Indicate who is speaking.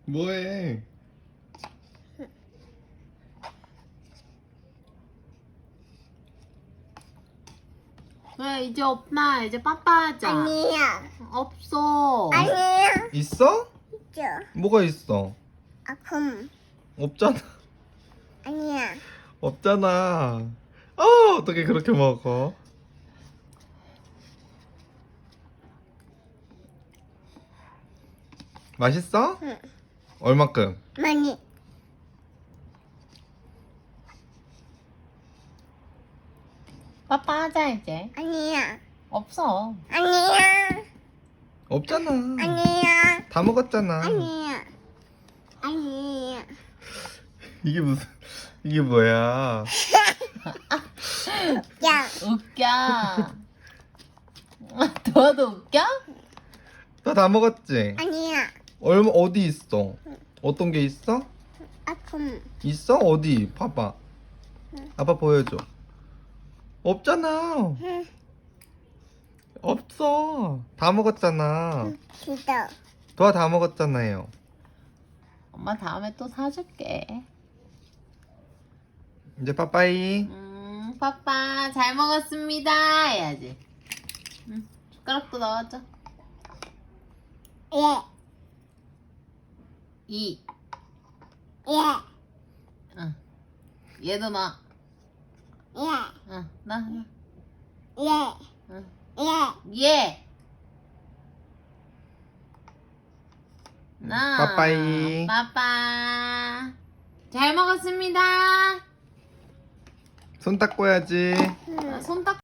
Speaker 1: 뭐해?
Speaker 2: 왜 이제 없나? 이제 빠빠하자.
Speaker 3: 아니야.
Speaker 2: 없어.
Speaker 3: 아니야.
Speaker 1: 있어?
Speaker 3: 있죠.
Speaker 1: 뭐가 있어?
Speaker 3: 아픔.
Speaker 1: 없잖아.
Speaker 3: 아니야.
Speaker 1: 없잖아. 어떻게 그렇게 먹어? 맛있어?
Speaker 3: 응.
Speaker 1: 얼마큼?
Speaker 3: 많이.
Speaker 2: 빠빠하자 이제.
Speaker 3: 아니야.
Speaker 2: 없어.
Speaker 3: 아니야.
Speaker 1: 없잖아.
Speaker 3: 아니야.
Speaker 1: 다 먹었잖아.
Speaker 3: 아니야. 아니야.
Speaker 1: 이게 무슨 이게 뭐야?
Speaker 3: 야.
Speaker 2: 웃겨. 너도 웃겨?
Speaker 1: 너 다 먹었지?
Speaker 3: 아니야.
Speaker 1: 얼마 어디 있어? 어떤 게 있어?
Speaker 3: 아픔.
Speaker 1: 있어? 어디? 봐봐. 아빠 보여줘. 없잖아.
Speaker 3: 응.
Speaker 1: 없어. 다 먹었잖아.
Speaker 3: 기도.
Speaker 1: 도아 다 먹었잖아요.
Speaker 2: 엄마 다음에 또 사줄게.
Speaker 1: 이제 빠빠이.
Speaker 2: 빠빠 잘 먹었습니다 해야지. 숟가락도 넣어줘.
Speaker 3: 예.
Speaker 2: 2.
Speaker 3: 예.
Speaker 2: 응. 얘도 넣어.
Speaker 3: 예.
Speaker 2: 응. 넣어.
Speaker 3: 예.
Speaker 2: 응.
Speaker 3: 예.
Speaker 2: 예. 나.
Speaker 1: 빠빠이.
Speaker 2: 빠빠. 잘 먹었습니다.
Speaker 1: 손 닦고 해야지.
Speaker 2: 손 닦.